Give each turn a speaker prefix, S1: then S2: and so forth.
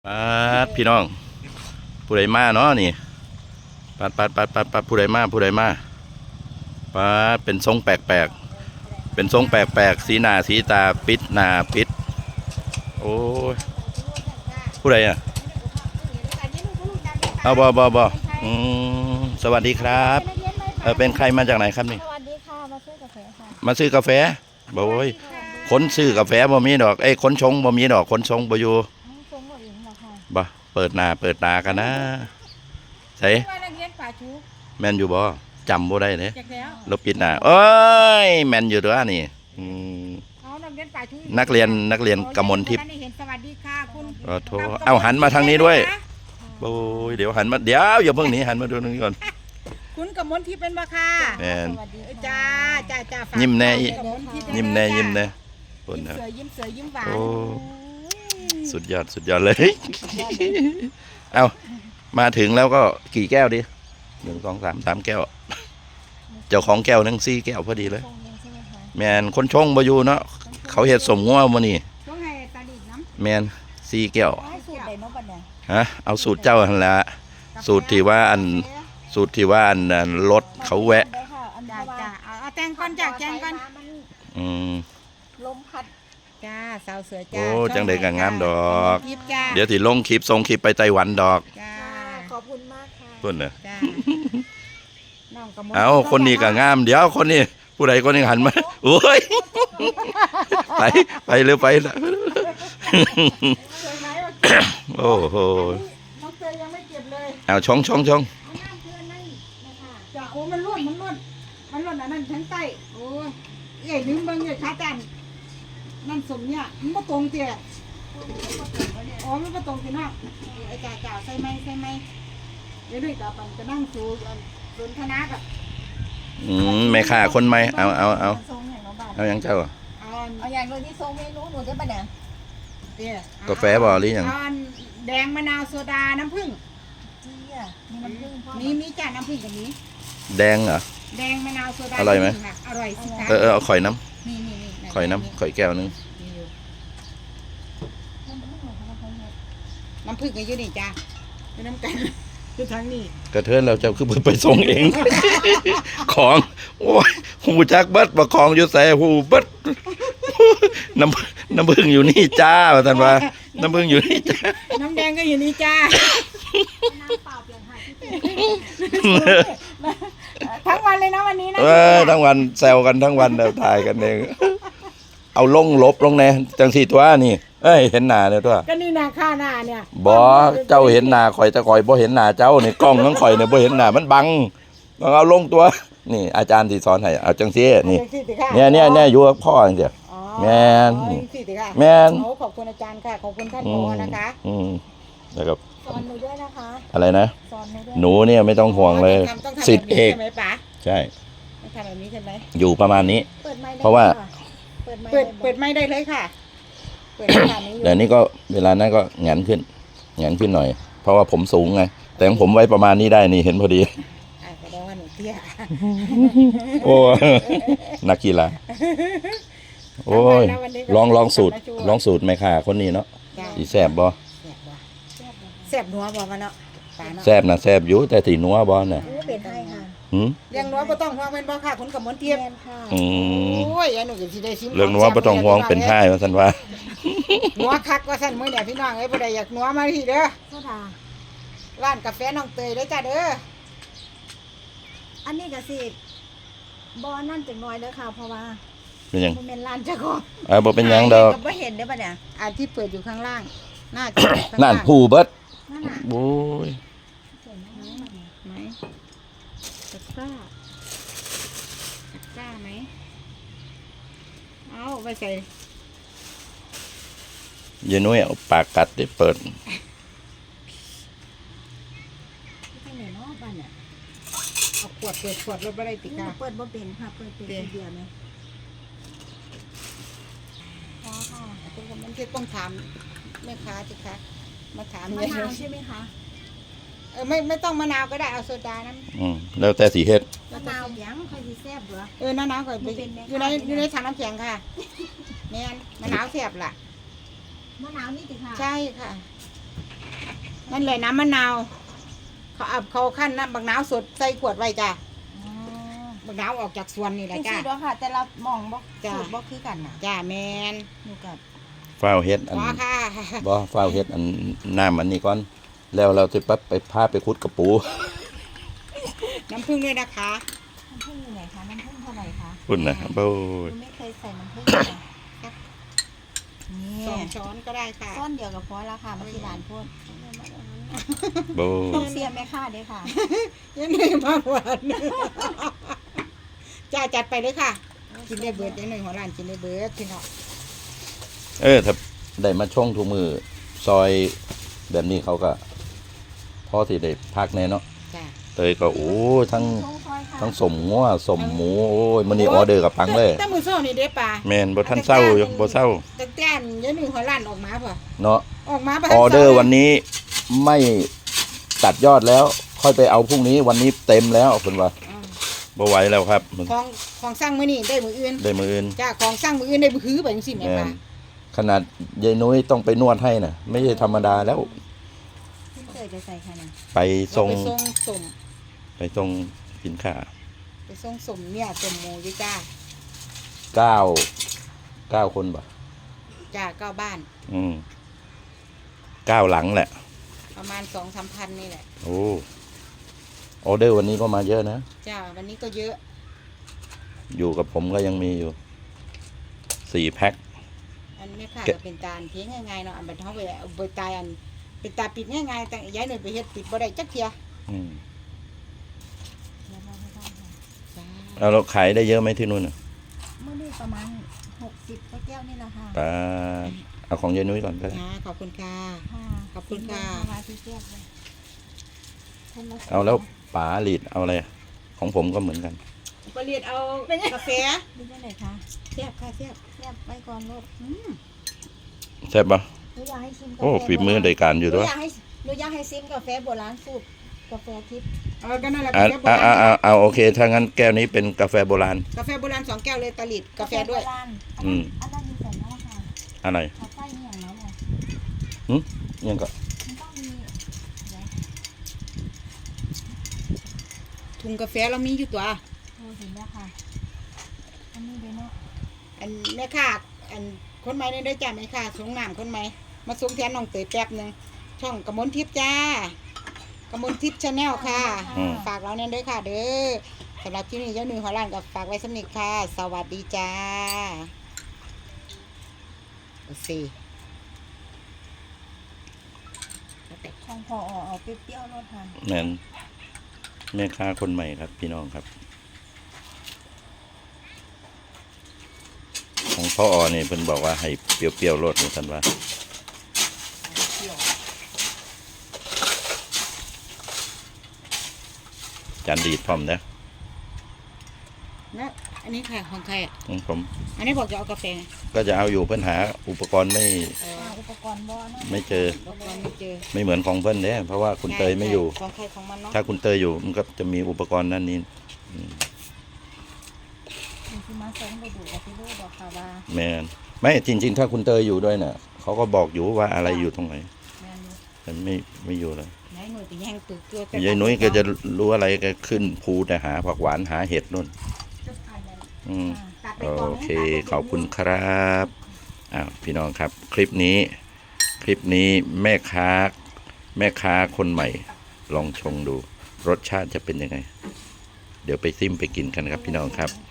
S1: พี่น้องผู้ใดมาเนาะนี่ปัดผู้ใดมาเป็นทรงแปลกเป็นทรงแปลกสีหน้าสีตาปิดหน้าปิดโอ้ยผู้ใดอ่ะเอาบสวัสดีครับเป็นใครมาจากไหนครับนี่
S2: สวัสดีค่ะมาซื้อกาแฟค่ะ
S1: มาซื้อกาแฟบ่โอ้ยคนซื้อกาแฟบ่มีดอกคนชงบ่มีดอกคนชงบ่อยู่
S2: ชงหมดเองเหรอคะ
S1: บ่เปิดหน้าเปิดตากันนะใส่แมนอยู่บ่จำบ่ได้เลยลบปิดหน้าเอ้ยแมนอยู่ตัวนี่นักเรียนกมลทิพย์
S3: สวัสดีค่ะคุณ
S1: โทเอาหันมาทางนี้ด้วยโอ้ยเดี๋ยวหันมาเดี๋ยวอย่าเพิ่งหนีหันมาดูตรงนี้ก่อน
S3: คุณกมลทิพย์เป็นบ่ค่ะ
S1: แมน
S3: จ้า
S1: ยิ้มแน่ยิ้มแน่
S3: คนนะยิ้มเสือยิ้มหวาน
S1: สุดยอดเลยเอามาถึงแล้วก็กี่แก้วดิ1 2 3 3แก้วเจ้าของแก้วนึง4 แก้วพอดีเลยแมนคนชงบ่อยู่เนาะเขาเฮ็ดสมงัวมื้อนี้แมน4 แก้วฮะเอาสูตรเจ้าหั่นละสูตรที่ว่าอันรถเขาแวะ
S3: เอาแตงก่อนจากแตงก่อน
S2: ลมพัด
S3: จ้าสาวเสือจ้า
S1: โอ้จังได้ก็งามดอกเดี๋ยวสิลงคลิปส่งคลิปไปไต้หวันดอก
S3: จ้า
S2: ขอบคุณมากค่ะ
S1: เพิ่นน่ะ
S3: จ้า
S1: เอาคนนี้ก็งามเดี๋ยวคนนี้ผู้ใดคนนี้หันมาโอ้ยไปเร็วไปละโอ้โห
S3: น้องเตยยังไม่เก็บเลย
S1: เอาชง
S3: จ้าโอ้มันล้วนอันนั้นทั้งใต้โอ้ยใหญ่ลืมเบิ่งใหญ่ขาจันนั่นสมเนี่ยมันก็ตรงเตี้ยอ๋อมันก็ตรงที่นอกไอ้จ่าใส่ไหมเดี๋ยวด้วยตาปันจะนั่งสูนคณะกับ
S1: แม่ค้าคนใหม่เอาอย่างเจ้า
S2: เอาอย่างเลยที่ทรงเมนูหนูจะไปไหน
S1: กาแฟบ่หรือยัง
S3: แดงมะนาวโซดาน้ำผึ้ง
S2: มีน้ำผึ้ง
S3: มีจ่าน้ำผึ้งกับนี้
S1: แดงเหรอ
S3: แดงมะนาวโซดา
S1: อร่อยไหม
S3: อร่อยสิคะ
S1: เอาข่อยน้
S3: ำนี่
S1: ข่อยแก้วนึง
S3: น้ำผึ้งก็อยู่นี่จ้าเป็นน้ำกันคือทั้งนี้
S1: กระเทินเราจะคือไปส่งเองของโอ้ยหูจักบัดประคองอยู่ใส่หูบัดน้ำผึ้งอยู่นี่จ้าว่าท่านว่าน้ำผึ้งอยู่นี่จ้า
S3: น้ำแดงก็อยู่นี่จ้า
S2: น้ำเปล่าเปลี่ยนหาย
S3: ทั้งวันเลยนะวันนี้นะ
S1: ทั้งวันแซวกันทั้งวันเดี๋ยวถ่ายกันเองเอาลงแน่จังสี่ตัวนี่เห็นหน้าเนี่ยตัว
S3: ก็นี่นาค่าหน้าเนี่ย
S1: บ่เจ้าเห็นหน้าข่อยแต่ข่อยบ่เห็นหน้าเจ้านี่กล้องทั้งข่อยเนี่ยบ่เห็นหน้ามันบังต้องเอาลงตัวนี่อาจารย์ที่สอนให้เอาจังซี่นี่เนี่ยอยู่กับพ่อจังซี่แม่นแม่น
S3: ขอบคุณอาจารย์ค่ะขอบคุณท่านผอนะคะ
S1: แล้วก็
S2: สอนหนูด้วยนะคะ
S1: อะไรนะหนูเนี่ยไม่ต้องห่วงเลยศิษย์เอกใช่
S3: ทำแบบนี้ใช่ไหม
S1: อยู่ประมาณนี้เพราะว่า
S3: เปิดไม่ได้เลยค่ะ
S1: เดี๋ยวนี้ก็เวลานั้นก็แงนขึ้นหน่อยเพราะว่าผมสูงไงแต่ของผมไว้ประมาณนี้ได้นี่เห็นพอดี
S3: แสดงว่าหนูเตี้ย
S1: โอ้นักกีฬาโอ้ยลองสูตรไหมค่ะคนนี้เนาะสีแซ่บบ่
S3: แซ่บนัวบ่มาเนาะ
S1: แซ่บนะแซ่บอยู่แต่สีนัวบ่น่ะ
S2: เป็นไทยค่ะ
S3: เรื่องนัวบ่ต้องห่วงเป็นบ่ค่ะคุณกมลเทียบโอ้ยหนูก็สิได้ชิม
S1: เรื่องนัวบ่ต้องห่วงเป็นไทยว่าซั่นว่า
S3: นัวคักว่าซั่นมื้อเนี่ยพี่น้องเอ้ยบ่ได้อยากนัวมาที่เด้อ
S2: โซดา
S3: ร้านกาแฟน้องเตยเด้อจ้าเด้อ
S2: อันนี้ก็สิบ่นั่นจังน้อยเด้อค่ะเพราะว่า
S1: เป็นหยัง
S2: บ่แม่นร้านเจ้าของ
S1: บ่เป็นหยังดอก
S2: บ่เห็นได้ป่ะเนี่ย
S3: อันที่เปิดอยู่ข้างล่างน่าจะ
S1: นั่นผู้เบิดโอ้ย
S3: ไหมตะกร้าไหมเอาไปใส่
S1: ยายนุ้ยเอาปากกัดได้เปิด
S3: เอาขวดรถบ่ได้ติกา
S2: เปิดบ่เป็นค่ะเปิดเป็นเดียวนะ
S3: อ๋อค่ะคุณกมลเทียบต้องถามแม่ค้าสิคะมาถาม
S2: มะนาวใช่ไหมคะ
S3: ไม่ต้องมะนาวก็ได้เอาโซดาน้
S1: ำแล้วแต่สีเฮ็ด
S2: มะนาวยังค่อยสิแซ่บเหรอ
S3: มะนาวก่อนอยู่ในถังน้ำแข็งค่ะแม่นมะนาวแซ่บล่ะ
S2: มะนาวนี่ติค่ะ
S3: ใช่ค่ะนั่นเลยน้ำมะนาวเขาขั้นน้ำบักนาวสดใส่ขวดไว้จ้ะ
S2: อ๋อ
S3: บักนาวออกจากสวนนี่แห
S2: จ
S3: ละ
S2: ริง
S3: จ้ะ
S2: ๆเด้อค่ะ แต่ละหมองบ่
S3: จ้ะ
S2: สูตรบ่คือกันน่ะ
S3: จ้ะแมน
S2: หนูกับ
S1: ฟ้าวเฮ็ดอัน
S3: ขอค่ะ
S1: บ่ฟ้าวเฮ็ดอันน้ำอันนี้ก่อน แล้วเราจะปั๊บไปพาไปขุดกระปู
S3: น้ำผึ้งด้วยนะคะ
S2: น้ำผึ้งอยู่ไหนคะน้ำผึ้งเท่าไหร่คะ
S1: พุ่นนะโอ้ย
S2: หนูไม่เคยใส่น้ำผึ้งเลยนี่
S3: 2 ช้อนก็ได้ค่ะ
S2: ซ่อนเดียวกับพอแล้วค่ะมาที่ร้านพูด
S1: โบ้
S2: ต้องเสียแม่ค่าเด้อค่ะ
S3: ยังไงมากหวานจ้าจัดไปเลยค่ะ กินได้เบิดยังไงหัวร้านกินได้เบิดพี่น้อง
S1: ถ้าได้มาช่องทุกมือซอยแบบนี้เขาก็พอสิได้พักแน่เนาะ
S3: จ้า
S1: เตยก็โอ้ทั้ง
S2: ช่วงซอยค่ะ
S1: ทั้งสมงัวสมหมูโอ้ยมื้อนี้ออเดอร์กับปังเลย
S3: แต่มือโซ่นี่เด้ป่า
S1: แม่นบ่ทันเศร้าอยู่บ่เศร้า
S3: ตั้งแต่ยังหนึ่งหัวร้านออกมาป่ะ
S1: เนาะ
S3: ออกมา
S1: ออเดอร์วันนี้ไม่ตัดยอดแล้ว ค่อยไปเอาพรุ่งนี้วันนี้เต็มแล้วเพิ่นว่าบ่ไหวแล้วครับ
S3: ของสร้างมื้อนี้ได้มืออื่น
S1: ได้มื้ออื่น
S3: จ้าของสร้างมืออื่นได้มือหื้อไปจังซี่แม่
S1: แม่
S3: ป่าน
S1: ขนาดยายนุ้ยต้องไปนวดให้น่ะ ไม่ใช่ธรรมดาแล้ว
S2: พี่เตยจะใส่ค่ะนะ
S1: ไปส่ง
S3: ไปส่งสม
S1: ไปส่งสินค้า
S3: ไปส่งสมเนี่ยสมหมูอยู่จ้า
S1: 9คนบ่
S3: จ้าเก้าบ้าน
S1: 9หลังแหละ
S3: ประมาณ 2-3 พันนี่แหละ
S1: โอ้ออเดอร์วันนี้ก็มาเยอะนะ
S3: จ้าวันนี้ก็เยอะ
S1: อยู่กับผมก็ยังมีอยู่4 แพ็ค
S3: อันไม่ค่ะก็เป็นตาลเพียงง่ายๆเนาะอันเป็นเฮาไปเอาไปตายอันเป็นตาปิดง่ายๆแต่ย้ายหน่อยไปเฮ็ดปิดบ่ได้จักเที่ย
S1: อืม
S2: เดี๋ยวเราไม่ต้องค่ะ
S3: จ้า
S1: เอาเราขายได้เยอะไหมที่นู่นน่ะ
S2: เมื่อนี้ประมาณ60แก้วนี่แหละค่ะ
S1: ปลาเอาของยายนุ้ยก่อนก็ได้
S3: ขอบคุณค่ะ
S2: ค่ะ
S3: ขอบคุณค่ะ
S2: มาที่แก้วเลยคนละ
S1: เอาแล้วป๋าหลีดเอาอะไรของผมก็เหมือนกัน
S3: ปเรียดเอากาแฟ
S2: ดูได้เลยคะ
S3: เสียบค่ะเสียบ
S2: เทียบไปก่อนลูก
S1: ใช่ปะ
S2: หนูอยากให้ชิมกาแฟ
S1: โอ้ฝีมือได้การอยู่
S2: หนู
S1: ด้วย
S2: อยากให้ชิมกาแฟโบราณสูตรกาแฟทิพย์
S3: ก็นั่นแหละ
S1: อ่าก
S3: าแฟโบราณ
S1: เอาโอเค ถ้างั้นแก้วนี้เป็นกาแฟโบราณ
S3: กาแฟโบราณ2 แก้วเลยตะลิดกาแฟด้วย
S2: โบราณ
S1: อืม
S2: อันนั้นมีใส่น้ำค่ะ
S1: อะไร
S2: เขาใส่นี่อย่างนั้นเลย
S1: ยังก็
S2: มันต้องมีเดี๋ยว
S3: ถุงกาแฟเรามีอยู่ตัว
S2: โอ้เห็นแล้วค่ะอันนี้เดี๋ยวเนาะ
S3: อันแม่ค่ะอันคนใหม่นี่ได้จ้าไหมค่ะส่งน้ำคนใหม่มาส่งแทนน้องเตยแป๊บหนึงช่องกมลทิพย์จ้ากมลทิพย์ชาแนลค่ะ ฝากเราเนี่ยด้วยค่ะ เด้อสำหรับที่นี่เจ้าหนึ่งหัวล้านกับฝากไว้สำนึกค่ะ สวัสดีจ้าโอเค
S2: ของพอเอาเปรี้ยวๆรสทาน
S1: แม่นแม่ค้าคนใหม่ครับ พี่น้องครับ ของพ่ออนี่เพิ่นบอกว่าให้เปรี้ยวๆรสนี่ท่านว่า จานดีดพร้อมนะ
S3: นะอันนี้ค่ะของใครอ่ะ
S1: ของผม
S3: อันนี้บอกจะเอากาแฟ
S1: ก็จะเอาอยู่เพิ่นหาอุปกรณ์ไม่
S2: อุปกรณ์บ่อเนาะ
S1: ไม่เจอ
S3: บอกว่าไม่เจอ
S1: ไม่เหมือนของเพิ่นเนี่ยเพราะว่าคุณเตยไม่อยู่
S3: ของใครของมันเนาะ
S1: ถ้าคุณเตยอยู่มันก็จะมีอุปกรณ์นั่นนี่
S2: มีที่มาส่งไปดูกับพี่ลูกบอกค่ะว่า
S1: แมนไม่จริง ๆ ถ้าคุณเตยอยู่ด้วยน่ะเขาก็บอกอยู่ว่าอะไรอยู่ตรงไหน
S2: แม่นอยู่
S1: แต่ไม่อยู่เลย
S3: ไหนหน่วยไปแย่งตึกตัวย
S1: ายนุ้ยก็จะรู้อะไรก็ขึ้นภูแต่หาผักหวานหาเห็ดนู่น
S2: จะผ่านแล้ว
S1: อืม
S3: ตัดไป
S1: โอ
S3: ก่อนนะ
S1: เคขอบคุณครับอ้าวพี่น้องครับ คลิปนี้แม่ค้าคนใหม่ ลองชงดู รสชาติจะเป็นยังไง เดี๋ยวไปซิมไปกินกันครับพี่น้องครับ